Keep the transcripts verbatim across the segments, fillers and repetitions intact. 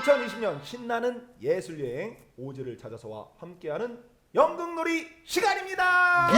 이천이십 년 신나는 예술여행 오즈를 찾아서와 함께하는 연극놀이 시간입니다.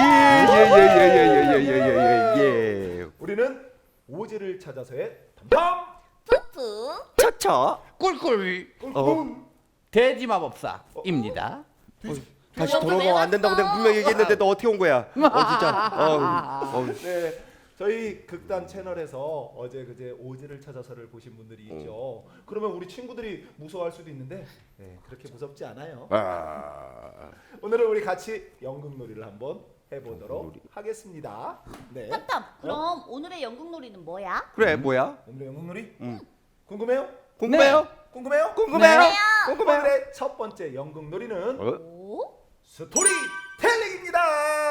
예예예예예예예예예. 우리는 오즈를 찾아서의 탐탐 푸푸 차차. 꿀꿀 꿀꿀. 돼지 마법사입니다. 다시 너 왜 돌아가면 안 된다고 왔어? 내가 분명히 얘기했는데 너 어떻게 온 거야? 어 진짜. 어, 어. 네, 저희 극단 채널에서 어제 그제 오즈를 찾아서를 보신 분들이 있죠. 그러면 우리 친구들이 무서워할 수도 있는데 네, 그렇게 무섭지 않아요. 아. 오늘은 우리 같이 연극놀이를 한번 해보도록 연극놀이. 하겠습니다. 네. 탐탐 그럼 오늘의 연극놀이는 뭐야? 그래 뭐야? 오늘의 연극놀이 음. 궁금해요? 궁금해요? 궁금해요? 궁금해요? 네. 궁금해요? 오늘의 첫 번째 연극놀이는 어? 오? 스토리텔링입니다.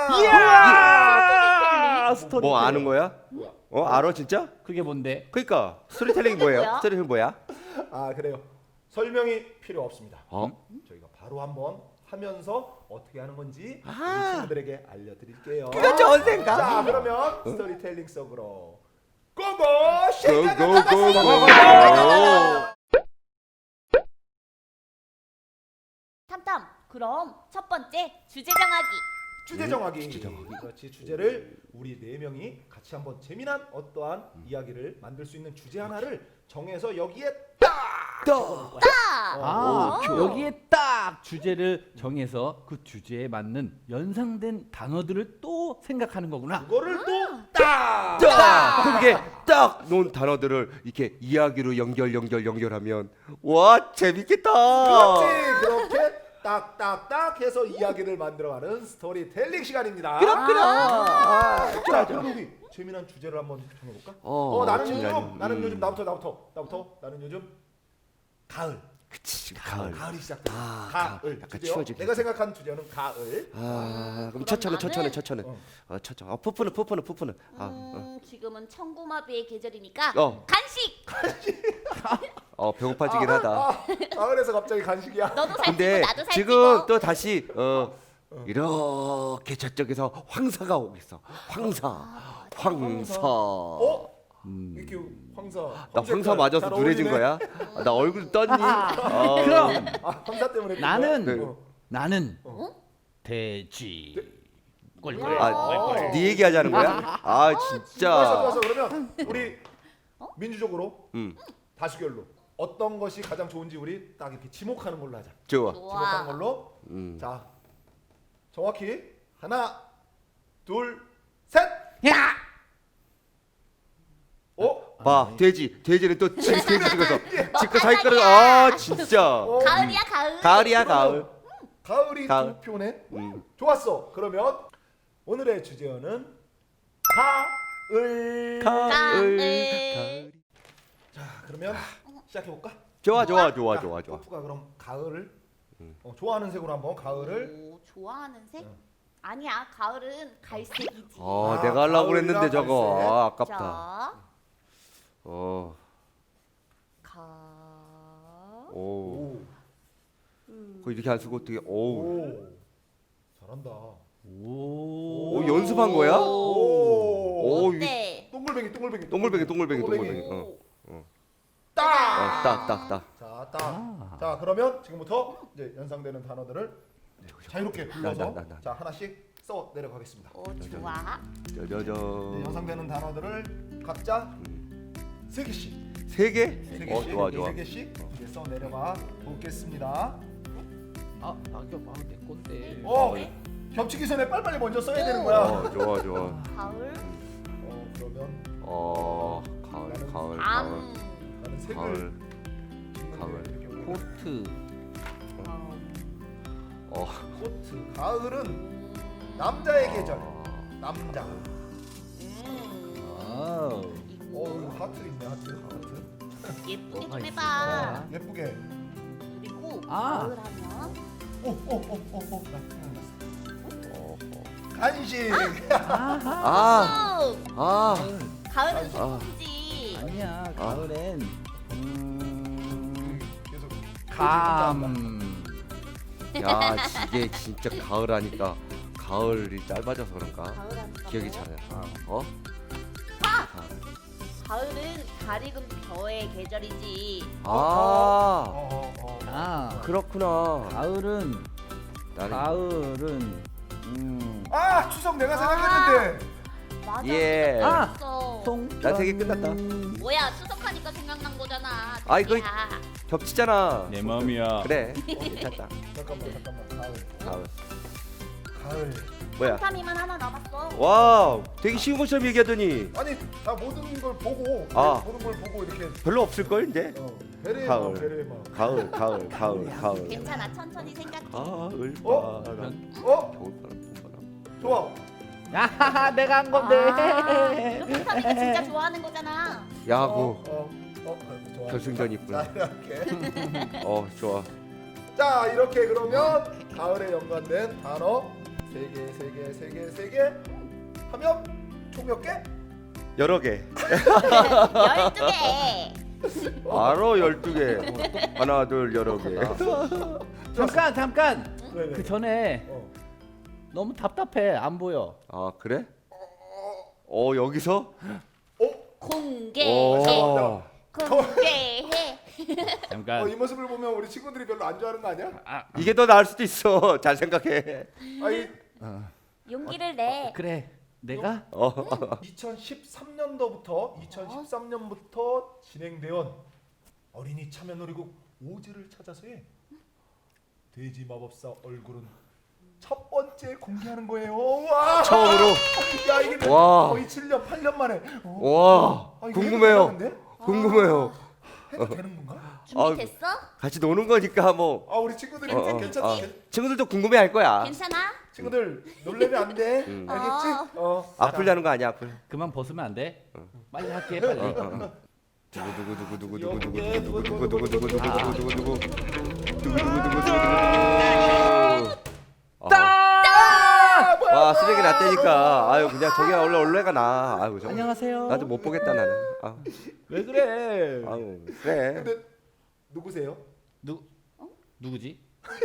이야! 스토리. 뭐 아는 거야? 뭐야? 어 알아 진짜? 그게 뭔데? 그러니까 스토리텔링이 뭐예요? 뭐야? 스토리텔링 뭐야? 아 그래요. 설명이 필요 없습니다. 어? 저희가 바로 한번 하면서 어떻게 하는 건지 아. 우리 친구들에게 알려드릴게요. 그거 좋은 생각. 자 그러면 스토리텔링 속으로 고고 고고고고. 탐탐 그럼 첫 번째 주제 정하기. 주제 정하기. 주제 정하기. 그렇지. 주제를 우리 네 명이 같이 한번 재미난 어떠한 이야기를 만들 수 있는 주제 하나를 정해서 여기에 딱 적어놓을 거야. 딱! 아, 오. 여기에 딱 주제를 정해서 그 주제에 맞는 연상된 단어들을 또 생각하는 거구나. 그거를 또딱 딱 그게 딱 놓은 단어들을 이렇게 이야기로 연결 연결 연결하면 와 재밌겠다. 그렇지. 그렇게 딱딱딱 해서 이야기를 만들어가는 스토리텔링 시간입니다. 그럼 그럼. 아, 아, 자, 그럼 우리 재미난 주제를 한번 정해볼까? 어, 어, 나는 재미난, 요즘, 나는 음. 요즘 나부터 나부터 나부터 나는 요즘 가을. 그치 지금 가을. 가을이 시작돼. 아, 가을. 약간 주제요. 추워지겠다. 내가 생각한 주제는 가을. 아 그럼 그럼 첫차는 첫차는 나는- 첫차는 어. 어 첫차. 어 푸푸는 푸푸는 푸푸는. 아 어. 음, 지금은 청구마비의 계절이니까 어. 간식! 어 배고파지긴 하다. 아, 가을에서 갑자기 간식이야. 너도 살찌고 근데 나도 살찌고. 지금 또 다시 어 이렇게 저쪽에서 황사가 오고 있어. 황사. 황사. 어? 음. 이렇게 황사. 나 황사 맞아서 누래진 거야? 아, 나 얼굴 떴니? 어. 그럼 아, 황사 때문에. 그런 나는 거야? 네. 어. 나는 어? 돼지. 꿀꿀. 뭐야? 아, 꿀꿀. 네 얘기하자는 거야? 아 좋았어, 진짜. 좋았어. 그러면 우리 어? 민주적으로 음 다수결로 어떤 것이 가장 좋은지 우리 딱 이렇게 지목하는 걸로 하자. 좋아. 지목하는 좋아. 걸로. 음. 자, 정확히 하나, 둘, 셋. 야! 어? 봐 돼지 돼지는 또 지, 돼지 찍어서 집가 자기 거를 아 진짜. 어? 가을이야 가을. 가을이야 가을. 가을이 가을. 두 표네. 음. 좋았어. 그러면 오늘의 주제어는 가을. 가을. 가을. 가을. 자, 그러면 시작해 볼까? 좋아 좋아 좋아 좋아 좋아. 가 그럼 가을을 음. 어, 좋아하는 색으로 한번 가을을. 오, 좋아하는 색? 응. 아니야 가을은 갈색이지. 어 아, 내가 하려고 가을이랑 그랬는데 저거 갈색. 아 아깝다. 자, 어. 가. 오. 오. 음. 그 이렇게 안 쓰고 어떻게 오. 오. 잘한다. 오. 오, 연습한 거야? 오. 오, 이 어때? 동글뱅이 동글뱅이 동글뱅이 동글뱅이 동글뱅이. 동글뱅이. 어. 어. 딱. 어, 딱, 딱, 딱. 자, 딱. 아. 자, 그러면 지금부터 이제 연상되는 단어들을 자유롭게 불러서 나, 나, 나, 나. 자, 하나씩 써 내려가겠습니다. 오 좋아. 저저저. 네, 연상되는 단어들을 각자 세 개씩. 세 개? 세 개씩. 어, 좋아, 좋아. 세 개씩 이제 써 내려가 보겠습니다. 아, 낙엽 아내 건데. 어. 겹치기 전에 빨리빨리 먼저 써야 되는 거야. 어, 좋아, 좋아. 가을. 어, 그러면 어, 가을, 가을, 가을. 암. 나는 색을 가을. 짓는 가을. 게 이렇게 어려워. 코트. 어. 코트. 가을은 남자의 계절. 남자. 음. 와우. 어, 이거 하트 있네. 하트. 하트. 예쁘게 좀 뭐가 해봐. 있을까? 예쁘게. 그리고 아. 가을 하면 오, 오, 오, 오, 오. 나 생각났어. 어, 어. 간식. 아하. 아, 오, 아. 가을은 아. 소풍이지. 아니야. 가을엔 음, 계속 감. 야, 이게 진짜 가을 하니까 가을이 짧아져서 그런가? 가을 하니까 기억이 뭐? 잘 나. 어? 가을은 달 익은 벼의 계절이지. 아 어, 어, 어. 아, 그렇구나. 가을은 나는 가을은 음. 아 추석 내가 생각했는데. 맞아. 예. 아! 생각났어. 송. 나 되게 끝났다. 뭐야 추석하니까 생각난 거잖아. 아, 이거- 야. 겹치잖아. 내 마음이야. 그래. 괜찮다. 잠깐만 잠깐만 가을. 가을. 가을. 뭐야? 탐탐이만 하나 남았어. 와, 되게 쉬운 것처럼 얘기하더니 아니 다 모든 걸 보고 아. 모든 걸 보고 이렇게 별로 없을 걸 이제. 어, 베레의 가을. 마음 베레의 마음. 가을, 가을, 가을, 가을. 괜찮아 천천히 생각해. 가을 어? 바람. 어? 겨울바람, 봄바람. 좋아. 야, 내가 한 건데. 아, 이거 탐탐이가 진짜 좋아하는 거잖아. 야구 어, 어, 어, 어, 좋아. 결승전 자, 있구나. 이렇게. 어, 좋아. 자 이렇게 그러면 가을에 연관된 단어 세 개, 세 개, 세 개, 세 개 하면 총 몇 개? 여러 개. 열두 개. 바로 열두 개. 하나, 둘, 여러 개. 잠깐, 잠깐. 네네. 그 전에 어. 너무 답답해. 안 보여. 아, 그래? 어, 여기서? 공개해. 오. 공개해. 잠깐. 어, 이 모습을 보면 우리 친구들이 별로 안 좋아하는 거 아니야? 이게 더 나을 수도 있어. 잘 생각해. 아니 용기를 내. 그래. 내가 어. 이천십삼 년도부터 이천십삼 년부터 진행되온 어린이 참여놀이국 오즈를 찾아서의 돼지 마법사 얼굴은 첫 번째 공개하는 거예요. 와! 처음으로. 야 이게 와. 거의 칠 년, 팔 년 만에. 어. 와, 아, 이거 궁금해요. 해도 되는데? 궁금해요. 해도 되는 건가? 준비됐어? 같이 노는 거니까 뭐. 아 우리 친구들이 어, 어, 괜찮, 어. 괜찮, 친구들도 궁금해할 거야. 괜찮아? 친구들 놀래면 안 돼. 음. 알겠지? 어. 아플려는 거 아니야, 아플. 그만 벗으면 안 돼? 빨리 할게, 빨리. 두구 두구 두구 두구 두구, 두구 두구, 두구 두구, 두구 두구 두구 두구 아. 두구 두구 두구 두구 두구 두구 두구 두구. 아, 뭐야, 와, 뭐야. 쓰레기 났다니까. 아유, 그냥 저기 원래 원래가 나. 아유, 저. 안녕하세요. 나도 못 보겠다 나는. 아, 왜 그래? 아유, 그래. 근데 누구세요? 누 누구지?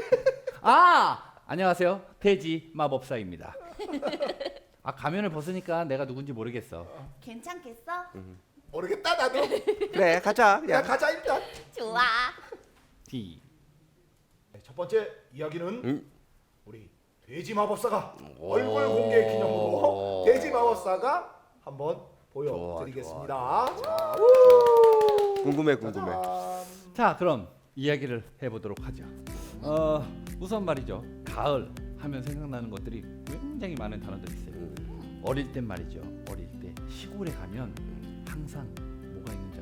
아, 안녕하세요. 돼지 마법사입니다. 아, 가면을 벗으니까 내가 누군지 모르겠어. 괜찮겠어? 모르겠다 나도. 그래, 가자. 야 그냥. 가자 일단. 좋아. D. 네, 첫 번째 이야기는 음. 우리 돼지 마법사가 얼굴 공개 기념으로 돼지 마법사가 한번 보여드리겠습니다. 자, 궁금해, 궁금해. 짜잔. 자, 그럼 이야기를 해보도록 하죠. 어, 우선 말이죠. 가을 하면 생각나는 것들이 굉장히 많은 단어들이 있어요. 어릴 땐 말이죠. 어릴 때 시골에 가면 항상 뭐가 있는지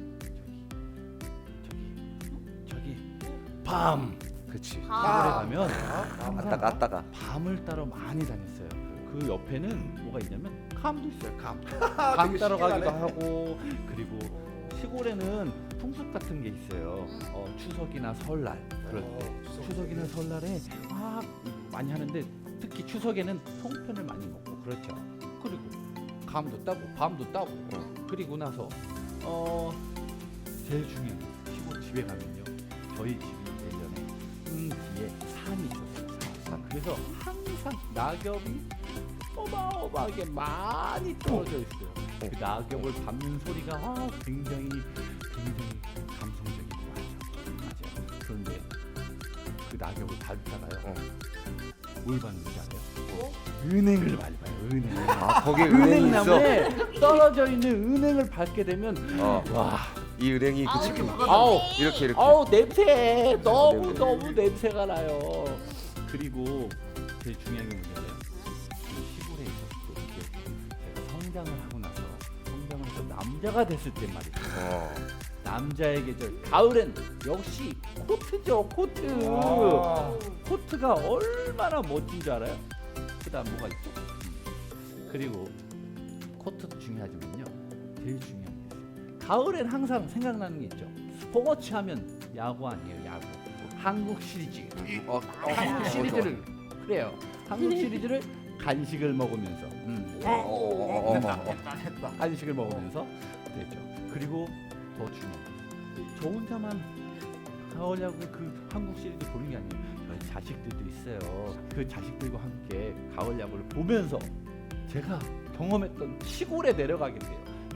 알아요? 저기, 저기, 저기 밤. 그치. 시골에 아. 가면 아따가, 항상 아따가. 밤을 따러 많이 다녔어요. 그 옆에는 뭐가 있냐면 감도 있어요. 감. 되게 감 따러 가기도 신기하네. 하고, 그리고 시골에는 풍습 같은 게 있어요. 어, 추석이나 설날 그럴 때 어, 추석. 추석이나 설날에 막 많이 하는데 특히 추석에는 송편을 많이 먹고 그렇죠. 그리고 감도 따고 밤도 따고 어, 그리고 나서 어 제일 중요한 게 시골 집에 가면요. 저희 집이 예전에 음 뒤에 산이 있었어요. 산. 그래서 항상 낙엽이 어마어마하게 많이 떨어져 있어요. 그 낙엽을 밟는 소리가 아, 굉장히 굉장히 감성적이고 하죠. 맞아요. 그런데 그 낙엽을 밟다가요. 어. 뭘 밟는지 알아요? 은행을 밟아요. 은행. 아, 거기 은행이 있어. 은행나무에 떨어져 있는 은행을 밟게 되면 어. 와, 이 은행이 그 아우, 집. 그거 아우, 좋네. 이렇게 이렇게. 아우 냄새 너무 냄새. 너무 냄새가 나요. 그리고 제일 중요한 게 뭐냐면 그 시골에 있었을 때 이렇게 제가 성장을 하고 나서 성장을 해서 남자가 됐을 때 말이죠. 어. 남자의 계절 가을엔 역시 코트죠. 코트. 아. 코트가 얼마나 멋진 줄 알아요? 그다음 뭐가 있죠? 음. 그리고 코트도 중요하지만요. 제일 중요한 게 있어요. 가을엔 항상 생각나는 게 있죠. 스포츠 하면 야구 아니에요. 야구. 한국 시리즈. 어, 어, 한국 어, 시리즈를 그래요. 한국 시리즈를 간식을 먹으면서 음. 어, 어, 어, 어, 어, 어. 했다. 간식을 먹으면서 되죠. 그리고 더 중요한 게, 저 혼자만 가을 야구 그 한국 시리즈 보는 게 아니에요. 저희 자식들도 있어요. 그 자식들과 함께 가을 야구를 보면서 제가 경험했던 시골에 내려가게 돼요.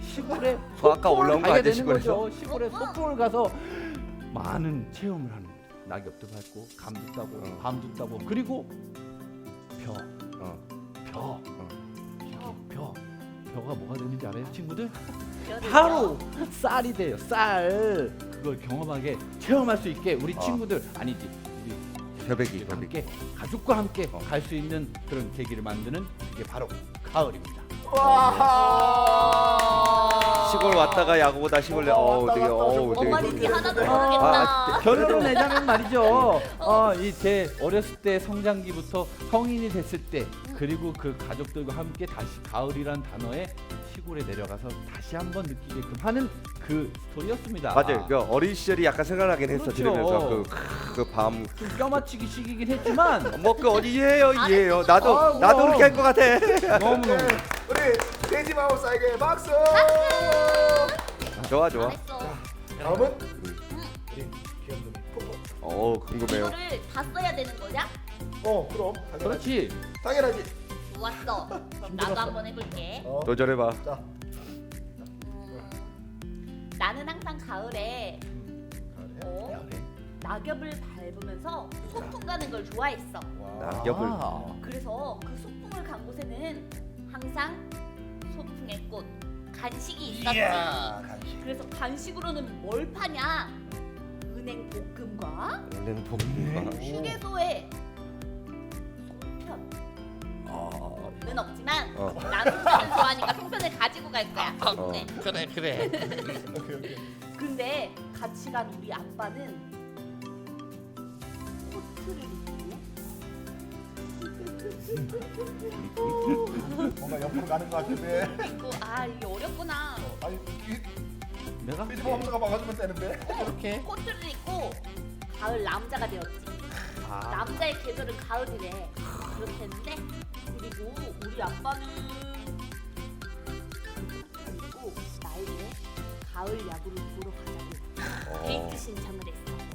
시골에 저 아까 소풍을 올라온 거 가게 아니야, 되는 시골에서? 거죠. 시골에 소풍을 가서 많은 체험을 하는 거죠. 낙엽도 밟고 감도 따고 어. 밤도 따고 그리고 벼, 어. 벼, 어. 벼, 벼, 벼가 뭐가 되는지 알아요, 친구들? 벼를 바로 쌀이 돼요. 쌀 그걸 경험하게 체험할 수 있게 우리 어. 친구들 아니지 우리 벼베기, 가족과 벼베기. 함께 가족과 함께 어. 갈 수 있는 그런 계기를 만드는 그게 바로 가을입니다. 와. 시골 왔다가 야구보다 시골 내. 어, 어우 왔다 되게 갔다 어우 좀 되게. 뭔 말인지 하나도 아, 모르겠다. 결론을 내자면 말이죠. 어, 이 제 어렸을 때 성장기부터 성인이 됐을 때 그리고 그 가족들과 함께 다시 가을이란 단어에 시골에 내려가서 다시 한번 느끼게끔 하는 그 스토리였습니다. 맞아요. 그 어린 시절이 약간 생각나긴 했어. 그렇죠. 들으면서 그그밤 좀 껴맞추기 식이긴 했지만 뭐 그 어디 이해요 이해요. 나도 아, 나도 그럼. 그렇게 할 것 같아. 너무 너무 네, 우리 돼지 마법사에게 박수. 좋아 좋아. 잘했어. 다음은 우리 귀염둥이 포포. 어 궁금해요. 이거를 다 써야 되는 거냐? 어 그럼 당연하지. 그렇지. 당연하지. 좋았어. 그럼 나도 한번 해볼게. 어. 도전해봐. 자. 음, 나는 항상 가을에 어, 그래. 낙엽을 밟으면서 소풍 가는 걸 좋아했어. 와. 낙엽을. 아, 그래서 그 소풍을 간 곳에는 항상 소풍의 꽃 간식이 있었지. 이야, 간식. 그래서 간식으로는 뭘 파냐? 은행 볶음과 원래는 봄인가? 휴게소에 송편. 어. 는 없지만 어. 나는 송편을 좋아하니까 송편을 가지고 갈 거야. 어. 네. 그래 그래. 오케이 오케이. 근데 같이 간 우리 아빠는 코트를 입고 뭔가 옆으로 가는 것 같은데. 입고 아 이게 어렵구나. 아니 이 내가 돼지 마법사가 막아주면 되는데. 이렇게. 코트를 입고 가을 남자가 되었지. 아, 남자의 계절은 가을이래. 그렇게 했는데 그리고 우리 아빠는 그리고 나에게 가을 야구를 보러 가자고 데이트 신청을 했어.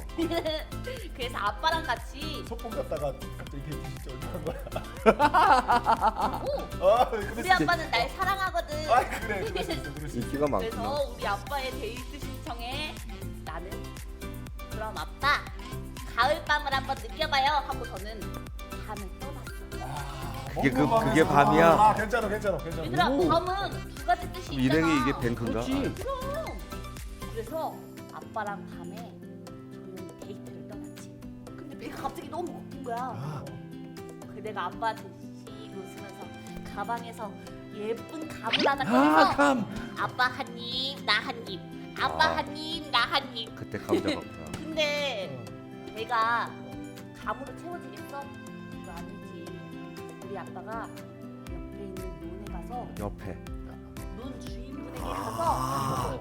그래서 아빠랑 같이 소풍 갔다가 갑자기 데이트 신청을 한 거야. 오, 아 우리 그래. 아빠는 날 사랑하거든. 아 그래 그럴 수 있어 그럴 수 있어. 인기가 많구나. 그래서 우리 아빠의 데이트 신청에 나는 그럼 아빠 가을 밤을 한번 느껴봐요 하고 저는 밤을 떠났어. 그게 그- 먹는 그게 밤에서- 밤이야? 아 괜찮아 괜찮아 괜찮아. 얘들아 오. 밤은 두 가지 뜻이 있잖아. 일행이 이게 뱅크인가? 그렇지. 그럼. 그래서 아빠랑 밤에 조용히 데이트를 떠났지. 근데 배가 갑자기 너무 고픈 거야. 아. 그 내가 아빠한테 씩 웃으면서 가방에서 예쁜 감을 하나 아 꺼내서 감. 아빠 한 입, 나 한 입. 아빠 아. 한 입, 나 한 입. 그때 감자가 없구나. 근데 배가 감으로 채워지겠어? 그거 아니지. 우리 아빠가 옆에 있는 논에 가서 옆에. 논 주인분에게 가서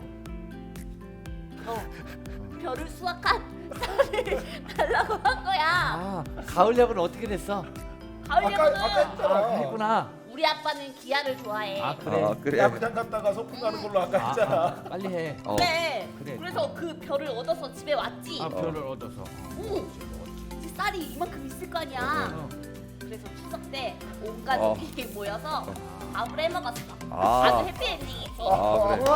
어, 별을 수확한 쌀을 달라고 한 거야. 아 가을 야구는 어떻게 됐어? 가을 아까 아까 야구는 했잖아. 아 그랬구나. 우리 아빠는 기아를 좋아해. 아 그래. 아 그래. 야구장 갔다가 소풍 가는 걸로 아까 아, 했잖아. 아, 빨리 해. 어. 그래. 그래. 그래서 그 별을 얻어서 집에 왔지. 아 별을 얻어서. 오, 이제 쌀이 이만큼 있을 거 아니야. 어. 그래서 추석 때 온 가족이 모여서 밥을 해 먹었어. 아. 아주 해피엔딩이지. 아 그래.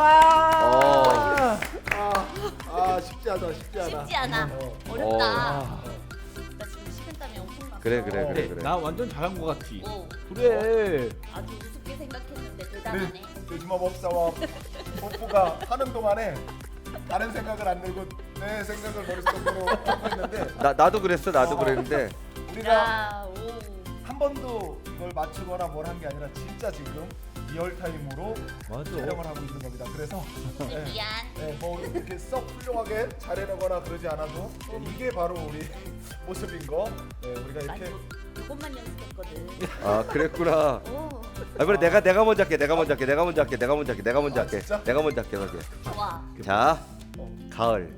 와. 아, 아 쉽지 않아 쉽지 않아. 쉽지 않아. 어. 어렵다. 아. 나 지금 식은땀이 엄청 났어. 그래, 그래, 그래. 나 완전 잘한 거 같지. 오, 그래. 아주 우습게 생각했는데 대단하네. 네, 돼지마법사와 뽀뽀가 하는 동안에 다른 생각을 안 들고 내 생각을 머릿속으로 하고 있는데 나 나도 그랬어. 나도 어. 그랬는데. 우리가 야, 오. 한 번도 이걸 맞추거나 뭘 한 게 아니라 진짜 지금 리얼 타임으로 맞아. 촬영을 하고 있는 겁니다. 그래서 네, 미안. 네, 뭐 이렇게 썩 훌륭하게 잘해내거나 그러지 않아도 네, 이게 바로 우리 모습인 거. 네, 우리가 난 이렇게 요- 요것만 연습했거든. 아 그랬구나. 오, 아 그래 내가 내가 먼저 할게. 내가 먼저 할게. 내가 먼저 할게. 내가 먼저 할게. 내가 먼저 아, 할게. 진짜? 내가 먼저 할게. 그러게. 좋아. 자 어, 가을.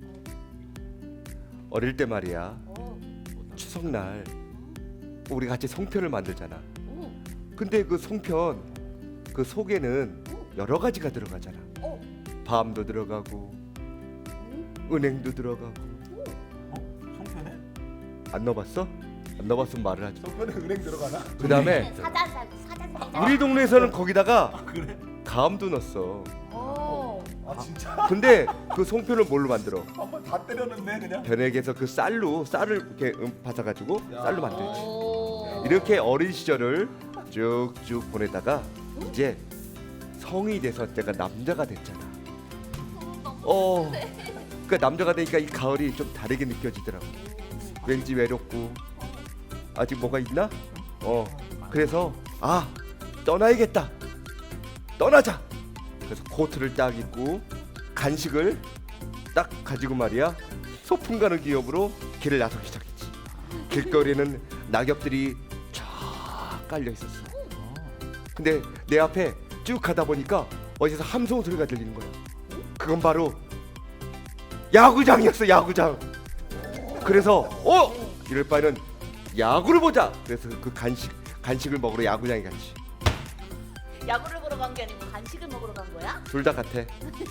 어릴 때 말이야. 오, 추석날 우리 같이 송편을 만들잖아. 오, 근데 그 송편 그 속에는 여러 가지가 들어가잖아. 오, 밤도 들어가고 오. 은행도 들어가고. 어? 송편에? 안 넣어봤어? 안 넣어봤으면 말을 하지. 송편에 은행 들어가나? 그 다음에 사자사 사자사. 우리 동네에서는 거기다가 그래? 감도 넣었어. 오. 아 진짜? 근데 그 송편을 뭘로 만들어? 한번 다 때려넣네 그냥. 변액에서 그 쌀로 쌀을 이렇게 음, 받아가지고 야. 쌀로 만들지. 오. 이렇게 어린 시절을 쭉쭉 보내다가 이제 성이 돼서 내가 남자가 됐잖아. 어, 그러니까 남자가 되니까 이 가을이 좀 다르게 느껴지더라고. 왠지 외롭고 아직 뭐가 있나? 어, 그래서 아 떠나야겠다. 떠나자. 그래서 코트를 딱 입고 간식을 딱 가지고 말이야 소풍 가는 기업으로 길을 나서기 시작했지. 길거리에는 낙엽들이 쫙 깔려 있었어. 근데 내 앞에 쭉 가다 보니까 어디서 함성 소리가 들리는 거야. 그건 바로 야구장이었어. 야구장. 그래서 어 이럴 바에는 야구를 보자. 그래서 그 간식 간식을 먹으러 야구장에 갔지. 야구를 보러 간 게 아니고 간식을 먹으러 간 거야? 둘 다 같아.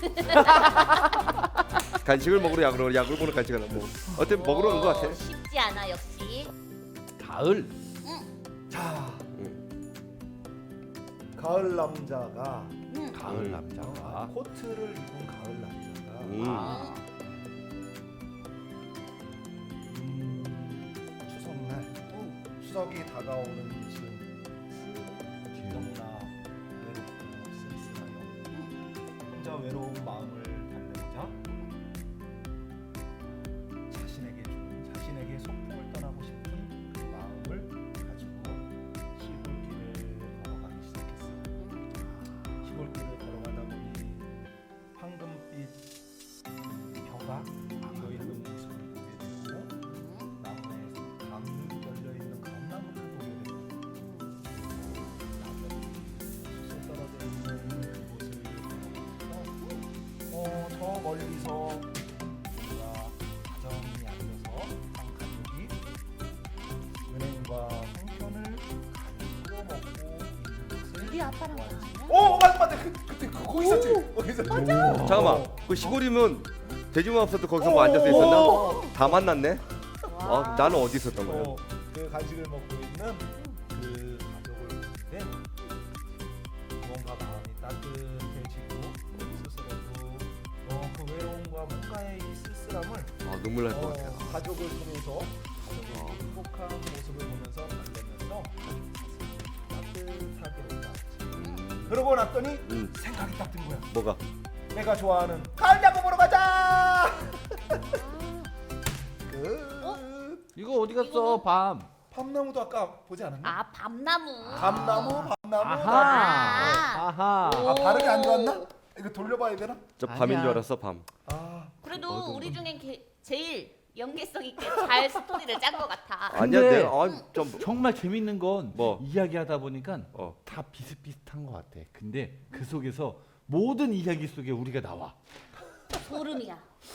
간식을 먹으러 야구를 야구를 보러 간식을 뭐 어때 먹으러 온 것 같아. 오, 쉽지 않아 역시. 가을. 자, 가을 남자가 응. 가을 음. 남자가. 아, 코트를 입은 가을 남자가 음. 아. 음, 추석날 추석이 다가오는 지금 너무나 외롭고 쓸쓸하여 혼자 외로운 마음을 달래고자 자신에게 좀 자신에게 소풍을 떠나고 싶은 그 마음을 가지고 시골길을 걸어가기 시작했어요. 시골길을 걸어가다 보니 황금빛 벼가 피어 있는 모습을 보게 되고 나무에 감 열려 있는 감나무를 보게 되고 낙엽이 숲에 떨어져 있는 그곳을 걸어가면서 어, 저 멀리서 우리가 다정히 앉아서 한 가족이 은행과 송편을 가지고 먹고 있는 것을 우리 아빠랑 보았지. 나는? 오 맞아 맞아 그, 그때 그, 거기 있었지 거기 있었지 잠깐만. 그 시골이면 돼지마법사도 거기서 뭐 오. 앉아서 있었나? 오. 다 만났네. 와. 어, 나는 어디 있었던 거야? 어, 그 간식을 먹고 있는 그 가족을 보는데 뭔가 마음이 따뜻해지고 스스로도 어, 그 외로움과 뭔가의 이 쓸쓸함을 아, 눈물 날 것 어, 같아. 가족을 통해서 가족의 어. 행복한 모습을 보면서 달래면서 따뜻하게 올라왔지. 음. 그러고 났더니 음. 생각이 딱 든 거야. 뭐가? 내가 좋아하는 가을 야구 보러 가자. 그 이거 어디 갔어? 이거는- 밤. 밤나무도 아까 보지 않았나? 아 밤나무. 밤나무, 밤나무. 아하. 아하. 아 발음이 안 좋았나? 이거 돌려봐야 되나? 저 아니야. 밤인 줄 알았어. 밤. 아, 그래도 어이구. 우리 중에 게, 제일 연계성 있게 잘 스토리를 짠 것 같아. 아니야, 근데- 내가 아, 좀 정말 재밌는 건 뭐? 이야기하다 보니까 어. 다 비슷비슷한 것 같아. 근데 그 속에서 모든 이야기 속에 우리가 나와. 소름이야.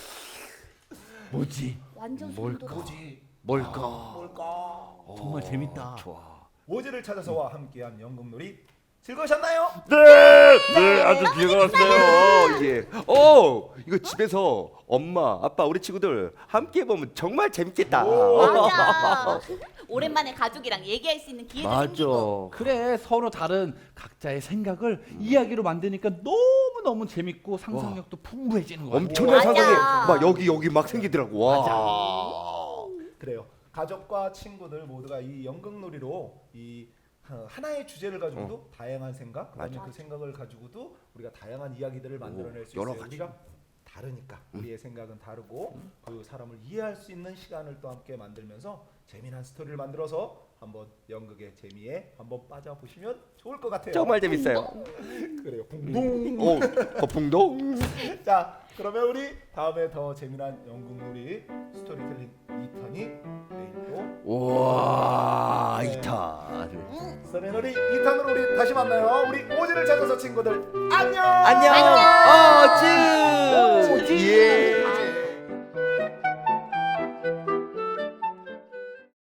뭐지? 완전 소름 돋아. 뭐지? 뭘까? 뭘까? 정말 재밌다. 좋아. 오지를 찾아서와 함께한 연극놀이 즐거우셨나요? 네, 네, 아주 즐거웠어요. 예. 어, 이거 집에서 엄마, 아빠, 우리 친구들 함께 보면 정말 재밌겠다. 맞아. 오랜만에 가족이랑 얘기할 수 있는 기회도 생기고. 그래, 서로 다른 각자의 생각을 이야기로 만드니까 너무 너무 재밌고 상상력도 풍부해지는 거야. 엄청난 맞아. 상상이 막 여기 여기 막 생기더라고. 와. 맞아. 그래요. 가족과 친구들 모두가 이 연극놀이로 이 어, 하나의 주제를 가지고도 다양한 생각, 그다음에 맞아. 그 생각을 가지고도 우리가 다양한 이야기들을 만들어낼 수 여러 있어요. 가지. 우리가 다르니까 우리의 생각은 다르고 그 사람을 이해할 수 있는 시간을 또 함께 만들면서 재미난 스토리를 만들어서 한번 연극의 재미에 한번 빠져보시면 좋을 것 같아요. 정말 재밌어요. 그래요. 붕붕. 오, 거풍동. 자, 그러면 우리 다음에 더 재미난 연극놀이 스토리텔링 이 탄이 내일도 와, 네. 이탄. 스토리놀이 이 탄으로 우리 다시 만나요. 우리 오지를 찾아서 친구들 안녕. 안녕. 어쭈. 예.